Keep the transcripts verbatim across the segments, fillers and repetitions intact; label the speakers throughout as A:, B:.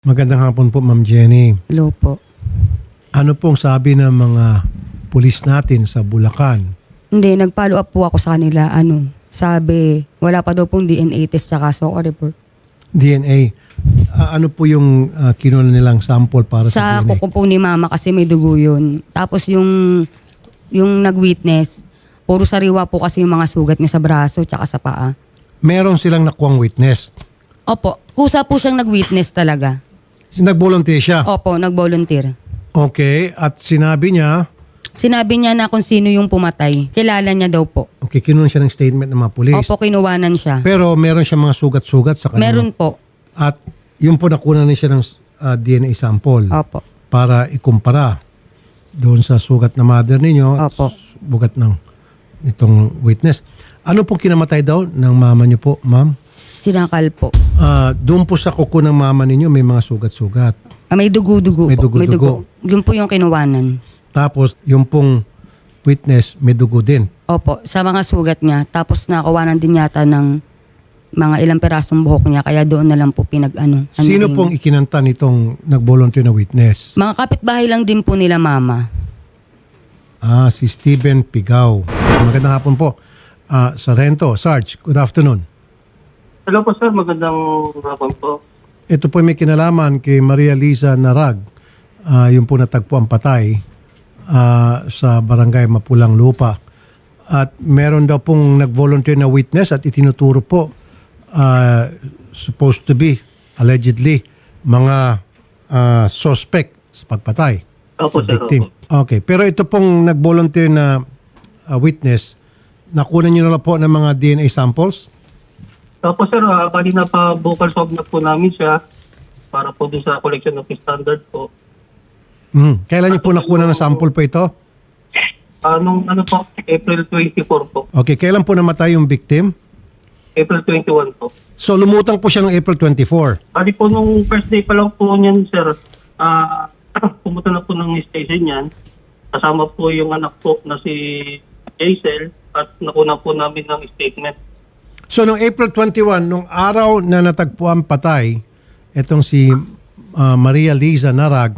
A: Magandang hapon po, Ma'am Jenny.
B: Hello po.
A: Ano pong sabi ng mga pulis natin sa Bulacan?
B: Hindi, nag-follow up po ako sa kanila. Ano, sabi, wala pa daw pong D N A test sa kaso ko report.
A: D N A. Ah, ano po yung uh, kinuha nilang sample para sa,
B: Sa
A: D N A?
B: kuko po ni mama kasi may dugo yun. Tapos yung, yung nag-witness, puro sariwa po kasi yung mga sugat niya sa braso tsaka sa paa.
A: Meron silang nakuwang witness.
B: Opo, kusa po siyang nag-witness talaga.
A: Nag-volunteer siya?
B: Opo, nag-volunteer.
A: Okay. At sinabi niya,
B: Sinabi niya na kung sino yung pumatay. Kilala niya daw po.
A: okay, kinuha siya ng statement ng mga pulis.
B: Opo, kinuwanan siya.
A: Pero meron siya mga sugat-sugat sa kanya.
B: Meron po.
A: At yun po nakuha na siya ng uh, D N A sample
B: Opo.
A: para ikumpara doon sa sugat na mother ninyo at
B: Opo.
A: sugat ng itong witness. Ano pong kinamatay daw ng mama niyo po, ma'am?
B: Sinakal po.
A: Ah, doon po sa kuko ng mama ninyo may mga sugat-sugat.
B: Ah, may dugo-dugo
A: May
B: po.
A: dugo-dugo.
B: Yun po yung kinuwanan.
A: Tapos yung pong witness may dugo din.
B: Opo, sa mga sugat niya. Tapos nakawanan din yata ng mga ilang perasong buhok niya. Kaya doon na lang po pinag-ano.
A: Sino
B: anuhin.
A: pong ikinanta nitong nag-volunteer na witness?
B: Mga kapitbahay lang din po nila mama.
A: Ah, si Steven Pigaw. Magandang hapon po. Ah, Sargento, Sarge, good afternoon.
C: Hello po sir, magandang hapon po.
A: Ito po may kinalaman kay Maria Liza Narag. Ah, yung po natagpuan patay ah, sa barangay Mapulang Lupa. At meron daw pong nag-volunteer na witness at itinuturo po ah, supposed to be, allegedly, mga ah, suspect sa pagpatay.
C: Opo,
A: sa
C: sir,
A: victim. Okay. Pero ito pong nag-volunteer na ah, witness, nakuha niyo na po ng mga D N A samples?
C: Opo sir, uh, bali na pa vocal swab na po namin siya para po dun sa collection of standard po.
A: Hmm. Kailan niyo po nakuha ng sample po ito?
C: Anong ano po, April twenty-four po.
A: Okay. Kailan po namatay yung victim?
C: April twenty-one po.
A: So lumutang po siya ng April twenty-four.
C: Bali po nung first day pa lang po niyan sir, ah pumunta na po ng station niyan. Kasama po yung anak po na si Jaisel at nakuna po namin ng statement.
A: So noong April twenty-one, nung araw na natagpuan patay, itong si ah, Maria Liza Narag,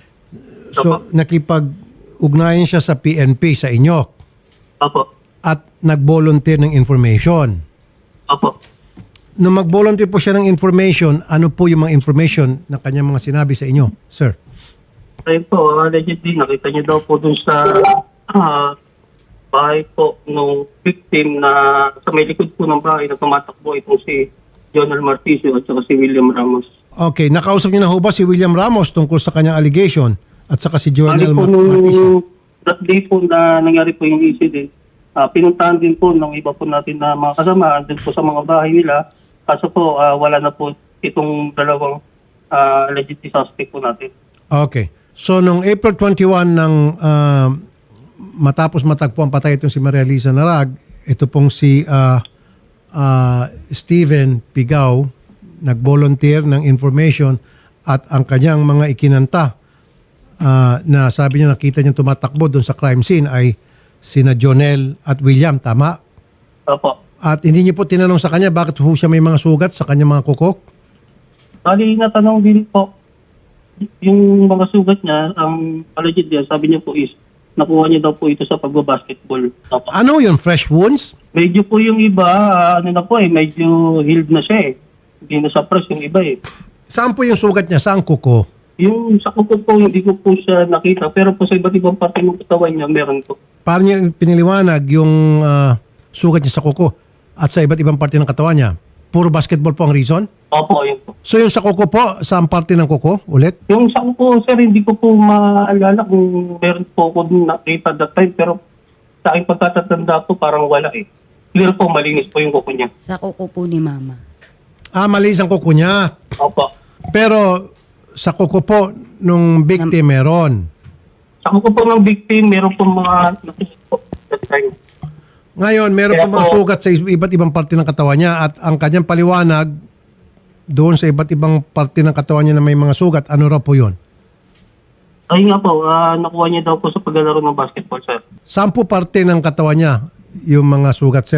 A: so nakipag-ugnayan siya sa P N P sa inyo
C: Opo.
A: at nag-volunteer ng information.
C: Opo.
A: Nung mag-volunteer po siya ng information, ano po yung mga information na kanyang mga sinabi sa inyo, sir?
C: Ayun po, uh, allegedly, nakita niyo daw po dun sa ah, bahay po nung victim na sa may likod po ng bahay na tumatakbo itong si Jonel Marticio at saka si William Ramos.
A: Okay, nakausap niyo na ho ba si William Ramos tungkol sa kanyang allegation at saka si
C: Bali
A: Joel
C: po
A: Marticio?
C: nung that day po na nangyari po yung incident, ah, pinuntahan din po ng iba po natin na mga kasama din po sa mga bahay nila. Kaso po, ah, wala na po itong dalawang uh, allegedly suspect po natin.
A: Okay. So, nung April twenty-one ng ah, matapos matagpuan patay itong si Maria Liza Narag, ito pong si ah, ah, Steven Pigaw, nag-volunteer ng information at ang kanyang mga ikinanta ah, na sabi niya nakita niya tumatakbo doon sa crime scene ay sina Jonel at William, tama?
C: Opo.
A: At hindi niyo po tinanong sa kanya bakit ho siya may mga sugat sa kanyang mga kukok?
C: Bali, natanong din po, yung mga sugat niya, ang allegedly, sabi niya po is, nakuha niya daw po ito sa pagbabasketball. Opo.
A: Ano yun? Fresh wounds?
C: Medyo po yung iba, ah, ano na po eh, medyo healed na siya eh. Hindi na sa press yung iba eh.
A: Saan po yung sugat niya? Saan kuko?
C: Yung sa kuko po, hindi ko po siya nakita, pero po sa iba't ibang parte ng katawan niya, meron po.
A: Paano niya piniliwanag yung ah, sugat niya sa kuko at sa iba't ibang parte ng katawan niya? Puro basketball po ang reason?
C: Opo, yun po.
A: So yung sa kuko po, saan parte ng kuko? Ulit?
C: Yung sa kuko, sir, hindi ko po maalala kung meron po ako nakita that time, pero sa aking pagkatatanda po, parang wala eh. Clear po, malinis po yung kuko niya.
B: Sa kuko po ni mama.
A: Ah, malis ang kuko niya.
C: Opo.
A: Pero sa kuko po, nung victim meron.
C: Sa kuko po ng victim, meron po mga nakita po that time.
A: Ngayon, meron
C: Kaya
A: po mga
C: po-
A: sugat sa iba't ibang parte ng katawan niya at ang kanyang paliwanag doon sa iba't ibang parte ng katawan niya na may mga sugat, ano raw po yun?
C: Ayun nga po, ah, nakuha niya daw po sa paglalaro ng basketball, sir.
A: Saan po parte ng katawan niya yung mga sugat, sir?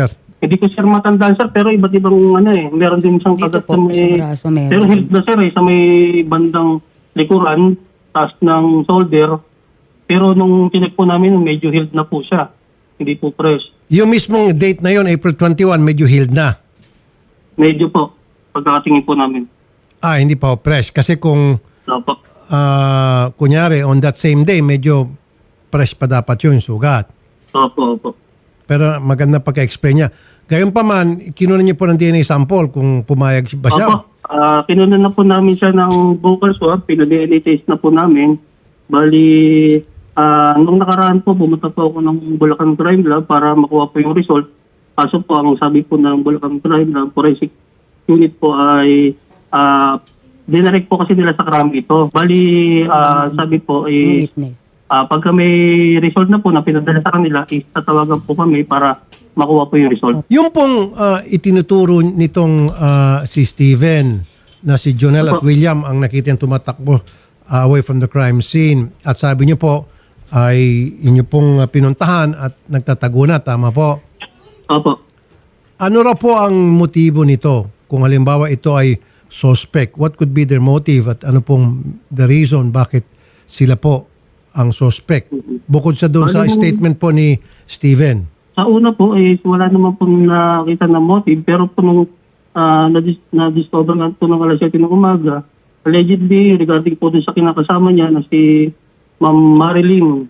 C: Hindi ko sir matandaan sir, pero iba't ibang ano eh. Meron din isang
B: Dito
C: kagat
B: po,
C: sa may...
B: sa braso meron.
C: Pero healed na sir eh, sa may bandang likuran, taas ng shoulder. Pero nung tinek po namin, medyo healed na po siya. Hindi po fresh.
A: Yung mismong date na yon, April twenty-one, medyo healed na.
C: Medyo po, pagkakatingin po namin.
A: Ah, hindi pa ho fresh. Kasi kung,
C: Opo.
A: ah, kunyari, on that same day, medyo fresh pa dapat yun, sugat.
C: Opo, opo.
A: Pero maganda pagka-explain niya. Gayon pa man, kinuha niyo po ng D N A sample kung pumayag ba siya.
C: Opo, uh, kinunan na po namin siya ng vocal swab, pina-D N A test na po namin. Bali, ah, nung nakaraan po, pumunta po ako ng Bulacan Crime Lab para makuha po yung result. Kaso po, ang sabi po ng Bulacan Crime Lab, forensic unit po ay uh, dinarek po kasi nila sa crime ito. Bali, ah, sabi po,
B: Yung
C: eh,
B: witness.
C: ah, pagka may result na po na pinadala sa kanila, is tatawagan po kami para makuha po yung result.
A: Yung pong ah, itinuturo nitong ah, si Steven na si Jonel at
C: Opo.
A: William ang nakita yung tumatakbo ah, away from the crime scene. At sabi niyo po ay inyo pong ah, pinuntahan at nagtatago na. Tama po.
C: Opo.
A: Ano raw po ang motibo nito? Kung halimbawa ito ay suspect, what could be their motive at ano pong the reason bakit sila po ang suspect? Bukod sa doon sa
C: Ano-
A: statement po ni Steven.
C: Sa una po, eh, wala naman po nakita na motive, pero po nung ah, nadis- na-discover nga po ng alas siyete ng umaga, allegedly, regarding po dun sa kinakasama niya na si Ma'am Marilyn,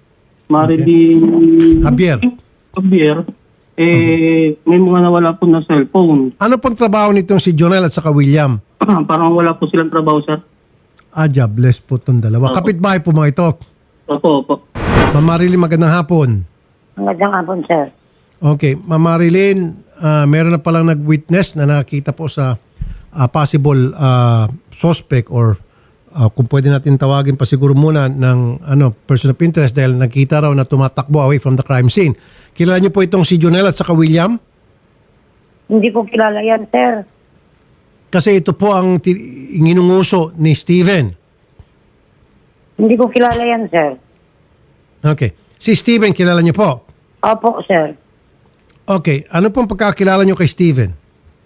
C: Marilyn
A: Javier.
C: Javier, eh, may mga nawala po na cellphone.
A: Ano pong trabaho nitong si Jonel at saka William?
C: Parang wala po silang trabaho, sir.
A: Ah, jobless po itong dalawa.
C: Opo.
A: Kapitbahay po mga ito.
C: Opo, opo.
A: Ma'am Marilyn, magandang hapon.
D: Magandang hapon, sir.
A: Okay, Ma'am Marilyn, ah, meron na palang nag-witness na nakita po sa ah, possible ah, suspect or ah, kung pwede natin tawagin pa siguro muna ng ano, person of interest dahil nakita raw na tumatakbo away from the crime scene. Kilala niyo po itong si Jonel at saka William?
D: Hindi ko kilala yan, sir.
A: Kasi ito po ang ti- inginunguso ni Steven.
D: Hindi ko kilala yan, sir.
A: Okay. Si Steven, kilala niyo po?
D: Opo, sir.
A: Okay. Ano pong pagkakilala niyo kay Steven?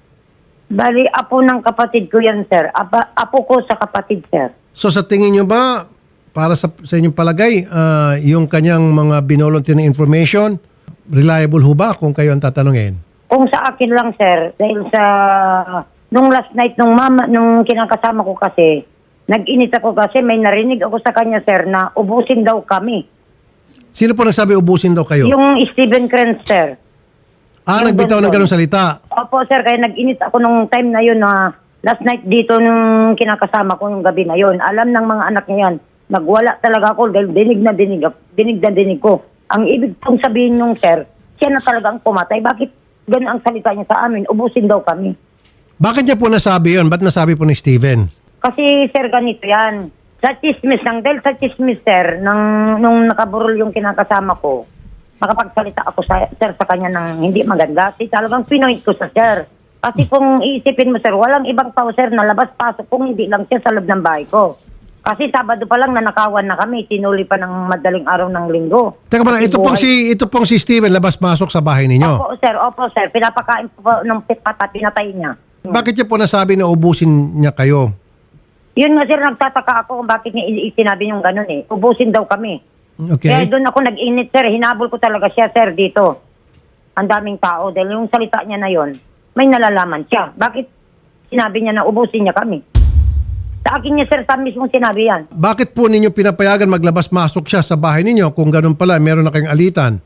D: Bali, apo ng kapatid ko yan, sir. Apa, apo ko sa kapatid, sir.
A: So sa tingin niyo ba, para sa, sa inyong palagay, ah, yung kanyang mga binolontin na information, reliable ho ba kung kayo ang tatanungin?
D: Kung sa akin lang, sir, dahil sa... Nung last night, nung mama, nung kinakasama ko kasi, nag-init ako kasi may narinig ako sa kanya, sir, na ubusin daw kami.
A: Sino po nagsabi ubusin daw kayo?
D: Yung Steven Krenz, sir.
A: ah,
D: yung
A: nagbitaw ng
D: doon.
A: ganong salita.
D: Opo, sir, kaya nag-init ako nung time na yun na last night dito nung kinakasama ko yung gabi na yun. Alam ng mga anak niya yan, nagwala talaga ako dahil dinig na dinig, dinig na dinig ko. Ang ibig kong sabihin nung sir, siya na talaga ang pumatay. Bakit ganun ang salita niya sa amin? Ubusin daw kami.
A: Bakit niya po nasabi yun? Ba't nasabi po ni Steven?
D: Kasi sir, ganito yan. Sa chismis lang, dahil sa chismis sir, nang, nung nakaburol yung kinakasama ko, makapagsalita ako sa, sir sa kanya ng hindi maganda. Kasi talagang pinoint ko sa sir. Kasi kung iisipin mo sir, walang ibang tao sir na labas-pasok kung hindi lang siya sa loob ng bahay ko. Kasi Sabado pa lang nanakawan na kami, tinuli pa ng madaling araw ng linggo.
A: Teka muna,
D: Kasi
A: ito pong, si,
D: buhay-
A: ito pong si Steven labas-masok sa bahay ninyo.
D: Opo sir, opo sir, pinapakain po po ng pitpata, pinatay niya.
A: Bakit niya po nasabi na ubusin niya kayo?
D: Yun nga sir, nagtataka ako kung bakit niya i- sinabi yung ganun eh. Ubusin daw kami. Kaya
A: Okay.
D: doon ako nag-init, sir. Hinabol ko talaga siya, sir, dito. Ang daming tao. Dahil yung salita niya na yon, may nalalaman siya. Bakit sinabi niya na ubusin niya kami? Sa akin niya, sir, sa mismong sinabi yan.
A: Bakit po ninyo pinapayagan maglabas-masok siya sa bahay ninyo kung ganun pala, meron na kayong alitan?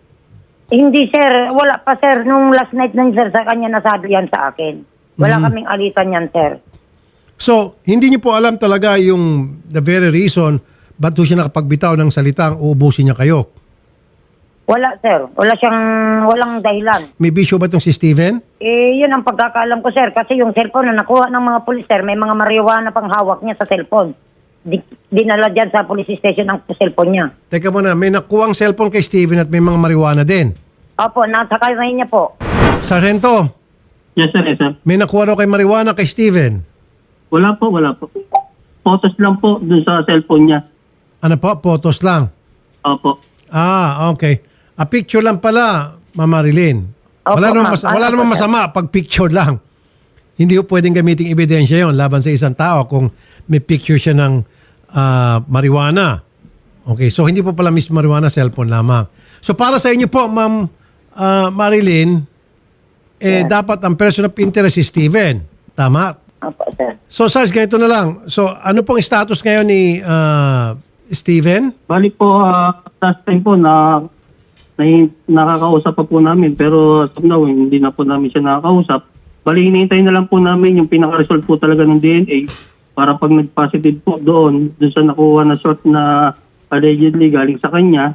D: Hindi, sir. Wala pa, sir. Nung last night lang, sir, sa kanya nasabi yan sa akin. Wala kaming alitan yan, sir.
A: So, hindi niyo po alam talaga yung the very reason ba't po siya nakapagbitaw ng salitang uubusin niya kayo.
D: Wala, sir. Wala siyang, walang dahilan.
A: May bisyo ba itong si Steven?
D: Eh, yun ang pagkakaalam ko, sir. Kasi yung cellphone na nakuha ng mga pulis, sir, may mga marijuana pang hawak niya sa cellphone. Di, dinala dyan sa police station ang cellphone niya.
A: Teka muna, may nakuwang cellphone kay Steven at may mga marijuana din.
D: Opo, nasa kamay niya po.
A: Sargento,
C: Yes, sir, yes, sir.
A: may nakuha raw kay marijuana kay Steven.
C: Wala po, wala po. Photos lang po dun sa cellphone niya.
A: Ano po? Photos lang.
C: Opo.
A: Ah, okay. A picture lang pala, Ma'am Marilyn.
D: Opo,
A: wala naman,
D: ma'am.
A: mas- wala
D: Ano
A: naman
D: po, sir?
A: masama pag picture lang. Hindi po pwedeng gamitin ebidensya yon laban sa isang tao kung may picture siya ng ah, marijuana. Okay, so hindi po pala mismo marijuana, cellphone lamang. So para sa inyo po, Ma'am ah, Marilyn, eh, dapat ang person of interest si Steven. Tama?
D: Opo, sir.
A: So Sarge, ganito na lang. So ano pong status ngayon ni ah, Steven?
C: Bali po, ah, last time po na, na nakakausap pa po namin pero as of now, hindi na po namin siya nakakausap. Bali, hinihintay na lang po namin yung pinaka-result po talaga ng D N A para pag nag-positive po doon, doon sa nakuha na short na allegedly galing sa kanya,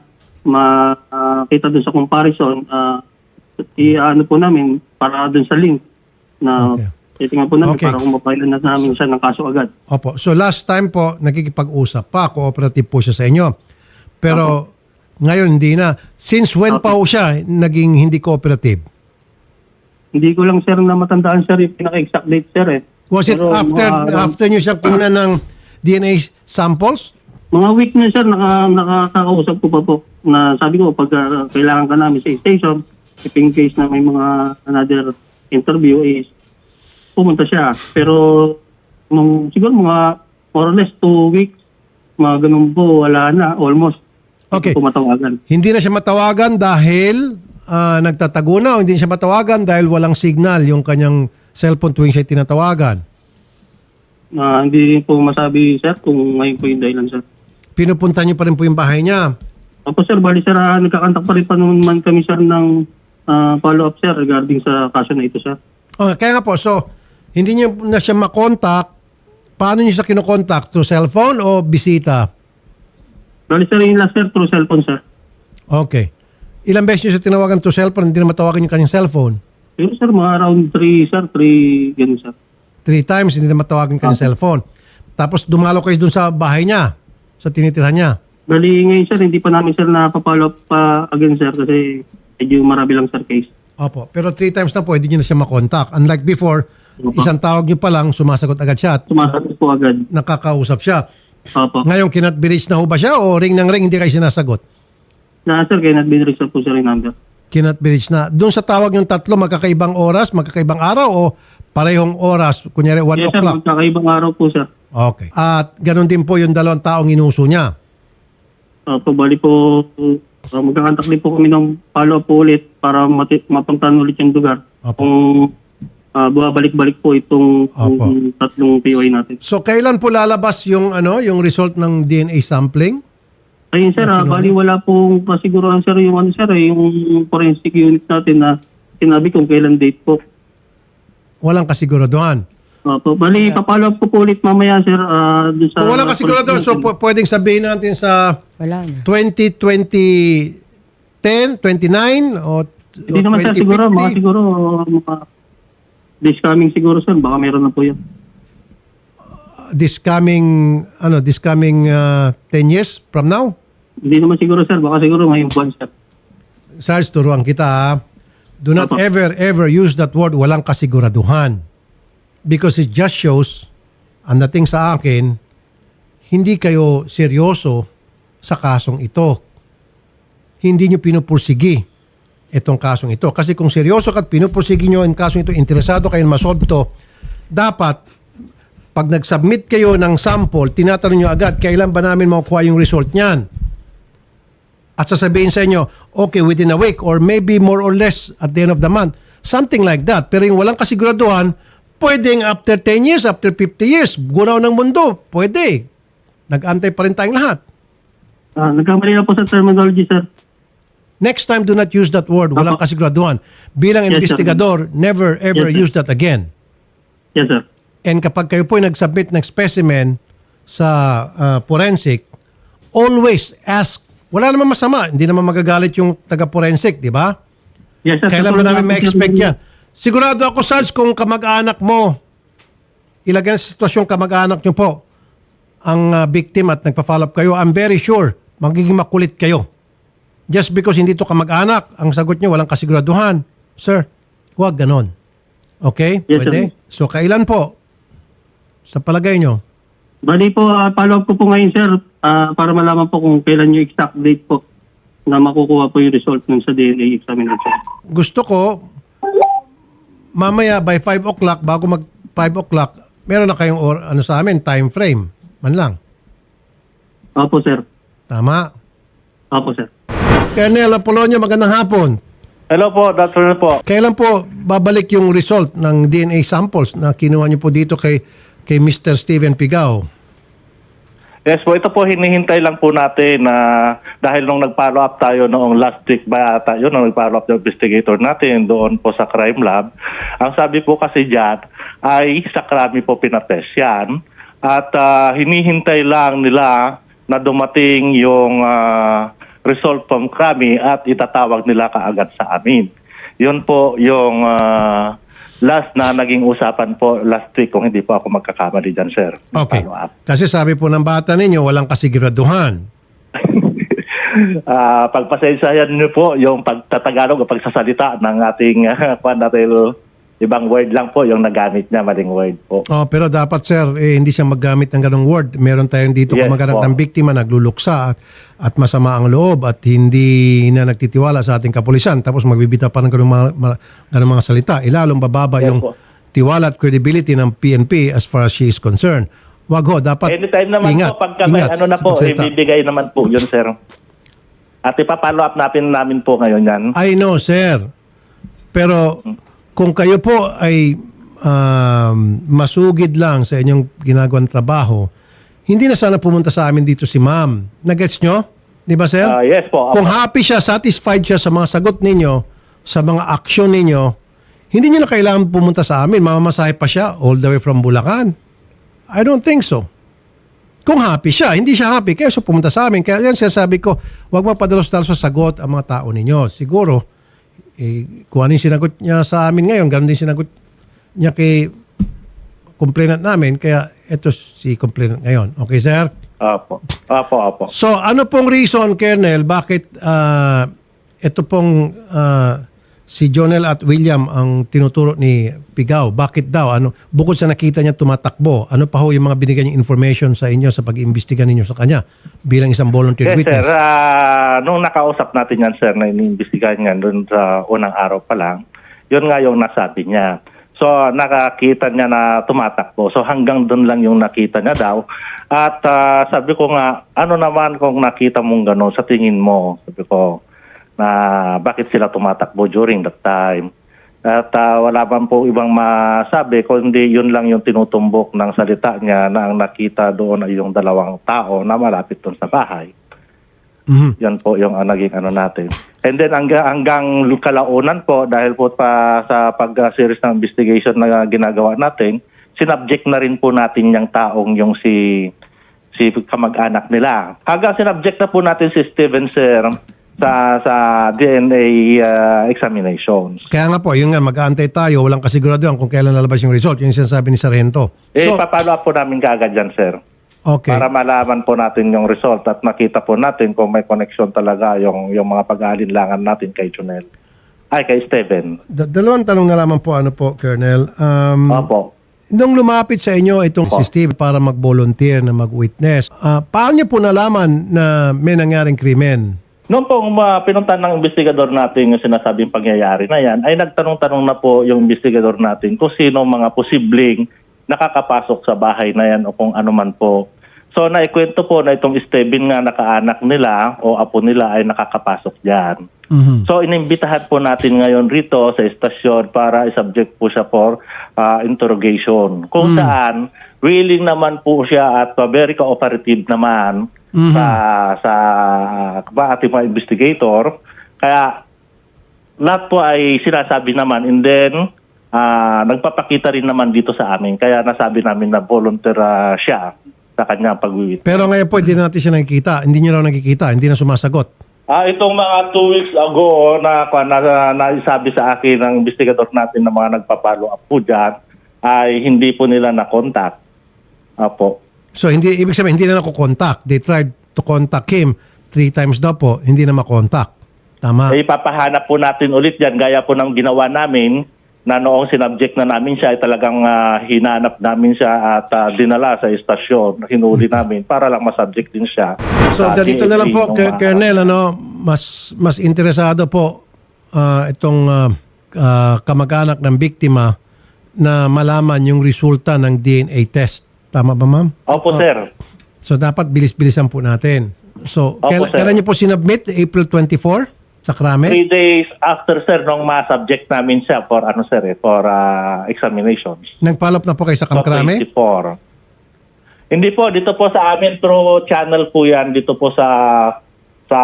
C: makita doon sa comparison, uh, i-ano po namin para doon sa link na
A: Okay.
C: titingnan po namin
A: Okay.
C: para kung mapailan na namin siya ng kaso agad.
A: Opo. So last time po, nakikipag-usap pa, cooperative po siya sa inyo. Pero ngayon hindi na. Since when pa po siya naging hindi cooperative?
C: Hindi ko lang, sir, na matandaan, sir, yung pinaka-exact date, sir, eh.
A: Was it
C: Pero
A: after
C: mga-
A: after niyo siya kunan ng D N A samples?
C: Mga week na, sir, naka, nakakausap ko pa po na sabi ko, pag uh, kailangan ka namin sa station, if in case na may mga another interview is pumunta siya. Pero nung, siguro mga more or less two weeks, mga ganun po, wala na, almost.
A: Okay.
C: Hindi po matawagan.
A: Hindi na siya matawagan dahil ah, nagtatago na o hindi siya matawagan dahil walang signal yung kanyang cellphone tuwing siya tinatawagan.
C: Ah, hindi po masabi, sir, kung ngayon po yung dahilan, sir.
A: Pinupunta niyo pa rin po yung bahay niya.
C: Opo, sir, bali, sir, ah, nagkakantak pa rin pa naman kami, sir, ng ah, follow-up, sir, regarding sa kaso na ito, sir.
A: Okay, kaya nga po, so hindi niyo na siya makontak. Paano niyo siya kinokontak? Through cellphone o bisita?
C: Bali, sir, yung last, sir, through cellphone, sir.
A: Okay. Ilang beses niyo siya tinawagan through cellphone, hindi na matawagan yung kanyang cellphone?
C: Pero, sir, mga around three, sir, three, ganun, sir.
A: Three times, hindi na matawagan yung kanyang cellphone. Tapos dumalo kayo dun sa bahay niya, sa tinitirhan niya.
C: Bali, ngayon, sir, hindi pa namin, sir, napapollow up pa again, sir, kasi medyo marami lang, sir, case.
A: Opo. Pero three times na po, hindi niyo na siya makontak. Unlike before, isang tawag niyo pa lang, sumasagot agad siya at
C: Sumasagot po agad.
A: nakakausap siya.
C: Opo.
A: Ngayon, kinat-village na ho ba siya o ring ng ring, hindi kayo sinasagot?
C: Na, sir, kaya nag-binrix na po, sir, yung number.
A: Kinat-village na. Doon sa tawag yung tatlo, magkakaibang oras, magkakaibang araw o parehong oras? Kunyari, one
C: Yes, sir,
A: o'clock.
C: magkakaibang araw po, sir.
A: Okay. At ganun din po yung dalawang taong inuso niya.
C: Opo, bali po, uh, magkakantak din po kami ng follow-up po ulit para mati- mapuntahan ulit yung lugar.
A: Opo.
C: Kung uh, bumabalik-balik po itong
A: Opo.
C: yung tatlong P O I natin.
A: So, kailan po lalabas yung ano, yung result ng D N A sampling?
C: Ayun, sir, ah, bali wala pong kasiguruhan, sir, yung ano, sir, eh, yung forensic unit natin na sinabi kung kailan date po.
A: Walang kasiguraduhan.
C: Opo, bali, papollow up ko po ulit mamaya, sir, ah, dun sa...
A: Kung walang kasiguraduhan, so pu- pwedeng sabihin natin sa
B: Wala na.
A: twenty twenty ten, twenty-nine o
C: Hindi naman, sir, siguro, mga siguro, mga this coming siguro, sir, baka meron na po yan.
A: this coming ano this coming uh, ten years from now.
C: Hindi naman siguro, sir, baka siguro ngayong buwan, sir.
A: Sarge, turuan kita ha. Do not
C: Opo.
A: ever ever use that word walang kasiguraduhan, because it just shows, ang dating sa akin, hindi kayo seryoso sa kasong ito. Hindi nyo pinupursigi itong kasong ito. Kasi kung seryoso ka at pinupursigi nyo ang kasong ito, interesado kayo na masolve to, dapat pag nag-submit kayo ng sample, tinatanong nyo agad, kailan ba namin makukuha yung result niyan? At sasabihin sa inyo, okay, within a week or maybe more or less at the end of the month. Something like that. Pero yung walang kasiguraduhan, pwedeng after ten years, after fifty years, gunaw ng mundo, pwede. Nag-antay pa rin tayong lahat.
C: Ah, nagkamali na po sa terminology, sir.
A: Next time, do not use that word, walang
C: Apo.
A: kasiguraduhan. Bilang
C: Yes, sir.
A: investigador, never ever
C: Yes, sir.
A: use that again.
C: Yes, sir.
A: And kapag kayo po ay nag-submit ng specimen sa uh, forensic, always ask. Wala naman masama. Hindi naman magagalit yung taga-forensic, di ba?
C: Yes, sir.
A: Kailan ba
C: Sa-
A: namin ma-expect yan? Sigurado ako, Sarge, kung kamag-anak mo, ilagay sa sitwasyong kamag-anak nyo po, ang uh, victim at nagpa-follow up kayo, I'm very sure, magiging makulit kayo. Just because hindi to kamag-anak, ang sagot nyo, walang kasiguraduhan. Sir, huwag ganon. Okay?
C: Yes,
A: Pwede?
C: sir.
A: So, kailan po? Sa palagay nyo?
C: Bali po, ah, follow up ko po ngayon, sir, ah, para malaman po kung kailan yung exact date po na makukuha po yung result nun sa D N A examination.
A: Gusto ko, mamaya by five o'clock, bago mag five o'clock, meron na kayong or, ano sa amin, time frame. Man lang.
C: Opo, sir.
A: Tama?
C: Opo, sir.
A: Colonel Apolonio, magandang hapon.
E: Hello po, doctor po.
A: Kailan po babalik yung result ng D N A samples na kinuha niyo po dito kay kay Mister Steven Pigao?
E: Yes po, ito po hinihintay lang po natin na dahil nung nag-follow up tayo noong last week ba tayo, nung nag-follow up yung investigator natin doon po sa crime lab, ang sabi po kasi dyan ay sa krami po pinatest yan at ah, hinihintay lang nila na dumating yung ah, result from krami at itatawag nila kaagad sa amin. Yun po yung ah, last na naging usapan po last week kung hindi po ako magkakamali dyan, sir.
A: Okay.
E: Follow up.
A: Kasi sabi po ng bata ninyo, walang kasiguraduhan.
E: Ah, pagpasensyahan niyo po yung pagtatagalog o pagsasalita ng ating uh, dahil ibang word lang po yung nagamit niya, maling word po.
A: Oh, pero dapat sir, eh, hindi siya maggamit ng ganong word. Meron tayong dito
E: Yes,
A: kumaganap
E: po.
A: ng biktima, nagluluksa at, at masama ang loob at hindi na nagtitiwala sa ating kapulisan. Tapos magbibita pa ng ganong mga, mga, ganong mga salita. Ilalong bababa
E: Yes,
A: yung
E: po.
A: tiwala at credibility ng P N P as far as she is concerned. Wag ho, dapat
E: Anytime naman
A: ingat,
E: po, pagka may
A: ingat
E: ano na
A: sa
E: po,
A: pagsalita.
E: ibibigay naman po yun, sir. At ipapollow up natin namin po ngayon yan.
A: I know, sir. Pero kung kayo po ay um, masugid lang sa inyong ginagawang trabaho, hindi na sana pumunta sa amin dito si ma'am. Nagets nyo? Di ba, sir?
E: Ah, yes po.
A: Kung happy siya, satisfied siya sa mga sagot ninyo, sa mga aksyon ninyo, hindi niyo na kailangan pumunta sa amin. Mamamasahe pa siya all the way from Bulacan. I don't think so. Kung happy siya, hindi siya happy, kaya so pumunta sa amin. Kaya yan sinasabi ko, huwag mapadalos-dalos sa sagot ang mga tao ninyo. Siguro, eh, kung ano yung sinagot niya sa amin ngayon, ganun din sinagot niya kay complainant namin. Kaya ito si complainant ngayon. Okay, sir?
E: Opo. Opo, opo.
A: So, ano pong reason, Colonel, bakit ah, ito pong ah, si Jonel at William ang tinuturo ni Pigao? Bakit daw? Ano, bukod sa nakita niya tumatakbo, ano pa ho yung mga binigyan niya information sa inyo sa pag-iimbestiga ninyo sa kanya bilang isang volunteer
E: Yes, sir.
A: witness?
E: Ah, nung nakausap natin yan, sir, na iniimbestigahan niya doon sa unang araw pa lang, yun nga yung nasabi niya. So, nakakita niya na tumatakbo. So, hanggang doon lang yung nakita niya daw. At ah, sabi ko nga, ano naman kung nakita mong gano'n sa tingin mo? Sabi ko, na bakit sila tumatakbo during that time. At ah, wala man po ibang masabi, kundi yun lang yung tinutumbok ng salita niya na ang nakita doon ay yung dalawang tao na malapit doon sa bahay.
A: Mhm.
E: Yan po yung uh, naging ano natin. And then hanggang, hanggang kalaunan po, dahil po pa sa pag-series ng investigation na ginagawa natin, sinubject na rin po natin yung taong yung si si kamag-anak nila. Hanggang sinubject na po natin si Steven, sir, sa sa D N A uh, examinations.
A: Kaya nga po, yun nga, mag-aantay tayo, walang kasiguraduhan kung kailan lalabas yung result. Yung sinasabi ni Sargento.
E: Eh,
A: So,
E: papalo up po namin kaagad yan, sir.
A: okay.
E: Para malaman po natin yung result at makita po natin kung may connection talaga yung, yung mga pag-aalinlangan natin kay Jonel. Ay, kay Steven.
A: Da- dalawang tanong na lamang po, ano po, Colonel. Um,
E: Opo.
A: Nung lumapit sa inyo itong
E: Opo.
A: si Steve para mag-volunteer na mag-witness, ah, paano niyo po nalaman na may nangyaring krimen?
E: Noong pong uh, pinuntan ng investigador natin yung sinasabing pangyayari na yan, ay nagtanong-tanong na po yung investigador natin kung sino mga posibleng nakakapasok sa bahay na yan o kung ano man po. So naikwento po na itong Steven nga nakaanak nila o apo nila ay nakakapasok dyan.
A: Mhm.
E: So inimbitahan po natin ngayon rito sa estasyon para i-subject po siya for uh, interrogation. Kung saan willing naman po siya at uh, very cooperative naman
A: Mhm.
E: sa sa uh, ating mga investigator. Kaya lahat po ay sinasabi naman and then uh, nagpapakita rin naman dito sa amin. Kaya nasabi namin na volunteer uh, siya sa kanyang pag-witness.
A: Pero ngayon po, hindi na natin siya nakikita. Hindi niyo raw nakikita. Hindi na sumasagot.
E: Ah, itong mga two weeks ago na, na, na naisabi sa akin ng investigador natin na mga nagpa-follow up po dyan, ay hindi po nila na-contact. Apo.
A: So, hindi, ibig sabihin, hindi na nakukontak. They tried to contact him three times daw po. Hindi na makontak. Tama?
E: Eh, ipapahanap po natin ulit yan, gaya po ng ginawa namin na noong sinubject na namin siya, ay talagang ah, hinanap namin siya at ah, dinala sa estasyon, hinuli namin para lang masubject din siya.
A: So,
E: sa
A: ganito na lang
E: D N A
A: po,
E: nung
A: K-
E: mga-
A: Colonel, ano, mas, mas interesado po ah, itong ah, ah, kamag-anak ng biktima na malaman yung resulta ng D N A test. Tama ba, ma'am?
E: Opo, sir.
A: So dapat bilis-bilisan po natin. So,
E: Opo,
A: kailan,
E: sir.
A: kailan niyo po sinubmit? April twenty-fourth sa Krame?
E: Three days after, sir, nung ma-subject namin siya for, ano, sir, eh, for ah, examination.
A: Nag-follow up na po kayo sa
E: So,
A: Kamkrame?
E: twenty-four. Hindi po, dito po sa amin through channel po yan, dito po sa sa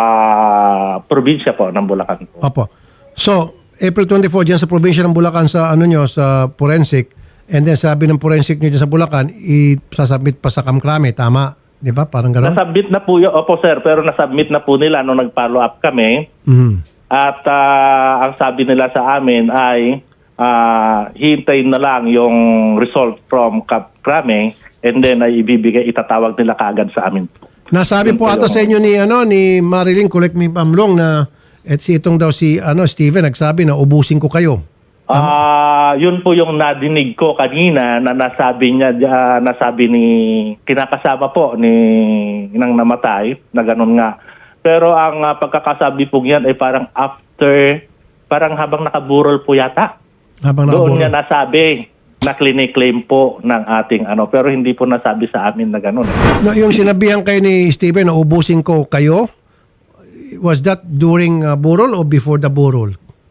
E: probinsya po ng Bulacan po.
A: Opo. So, April twenty-fourth dyan sa probinsya ng Bulacan sa ano nyo, sa forensic. And then sabi ng forensic nyo dyan sa Bulacan, i-sasubmit pa sa Kamkrame. Tama? Di ba? Parang gano'n?
E: Nasubmit na po yun, opo sir, pero nasubmit na po nila nung nag-follow up kami.
A: Mhm.
E: At ah, ang sabi nila sa amin ay ah, hintayin na lang yung result from Krame and then ay ibibigay, itatawag nila kaagad sa amin.
A: Nasabi po ata sa inyo ni ano ni Marilyn, correct me if I'm wrong, na et si itong daw si ano Steven nagsabi na ubusin ko kayo.
E: Ah, yun po yung nadinig ko kanina na nasabi niya, ah, nasabi ni kinakasama po ni nang namatay na ganun nga. Pero ang ah, pagkakasabi po niyan ay parang after, parang habang nakaburol po yata.
A: Habang
E: Doon
A: nakaburo.
E: niya nasabi na clinic-claim po ng ating ano, pero hindi po nasabi sa amin na ganun.
A: No, yung sinabihan kayo ni Steven na ubusin ko kayo, was that during uh, burol or before the burol?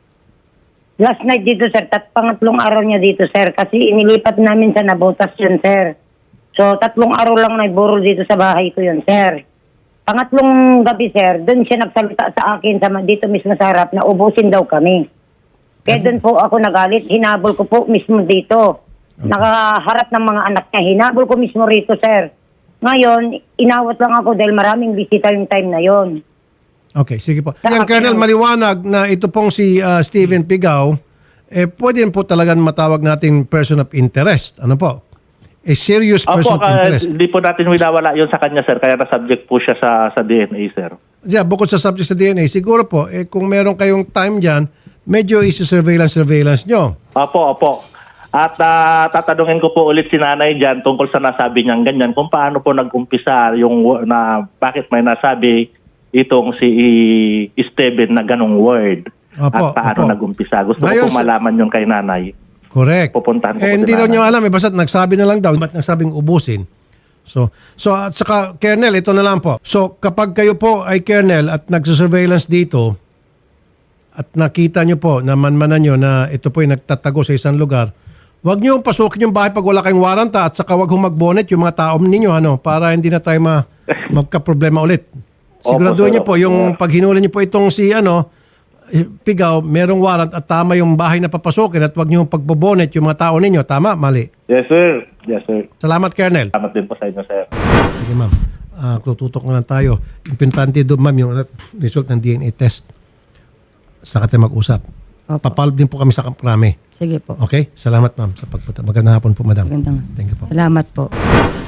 D: Last night dito, sir. Tat pangatlong araw niya dito, sir. Kasi inilipat namin sa Nabotas yun, sir. So, tatlong araw lang nagburol dito sa bahay ko yun, sir. Pangatlong gabi, sir, doon siya nagsalita sa akin sa, dito mismo sa harap na ubusin daw kami. Kaya doon po ako nagalit. Hinabol ko po mismo dito. Nakaharap ng mga anak niya. Hinabol ko mismo rito, sir. Ngayon, inawat lang ako dahil maraming bisita yung time na yon.
A: Okay, sige po.
D: Sa
A: Yan,
D: akin
A: Colonel,
D: ang-
A: maliwanag na ito pong si uh, Steven Pigaw, eh, pwede rin po talagang matawag natin person of interest. Ano po? A serious person
E: Opo,
A: of
E: kaya
A: interest.
E: hindi po natin winawala yun sa kanya, sir. Kaya na-subject po siya sa, sa D N A, sir.
A: Yeah, bukod sa subject sa D N A, siguro po, eh, kung meron kayong time dyan, medyo isi-surveillance-surveillance nyo.
E: Opo, opo. At ah, tatanungin ko po ulit si nanay dyan tungkol sa nasabi niyang ganyan, kung paano po nag-umpisa yung wo- na bakit may nasabi itong si Steven na ganong word.
A: Opo,
E: at paano
A: opo.
E: nag-umpisa. Gusto
A: Ngayon,
E: ko po malaman yung kay nanay.
A: Correct.
E: Pupuntahan ko
A: eh,
E: po
A: hindi
E: si
A: daw
E: nanay.
A: nyo alam, eh, basta nagsabi na lang daw, ba't nagsabing ubusin? So, so at saka, Colonel, ito na lang po. So, kapag kayo po ay Colonel at nagsusurveillance dito, at nakita nyo po, na manmanan nyo na ito po ay nagtatago sa isang lugar, huwag nyo pasukin yung bahay pag wala kayong warranta at saka huwag humagbonet yung mga tao ninyo, ano, para hindi na tayo ma magka-problema ulit. Siguraduhin
E: Opo,
A: nyo
E: sir.
A: po, yung paghinuli nyo po itong si, ano, Pigaw, merong warrant at tama yung bahay na papasukin at huwag nyo pagbobonet yung mga tao ninyo. Tama? Mali.
E: Yes, sir. Yes, sir.
A: Salamat, Colonel.
E: Salamat din po sa inyo, sir.
A: Sige, ma'am. Uh, tututok na lang tayo. Importante doon, ma'am, yung result ng D N A test. Saka tayo mag-usap.
B: Opo.
A: Papalog din po kami sa Kamkrame.
B: Sige po.
A: Okay? Salamat, ma'am, sa pagpunta. Magandang hapon po, madam.
B: Magandang.
A: Thank you po.
B: Salamat po.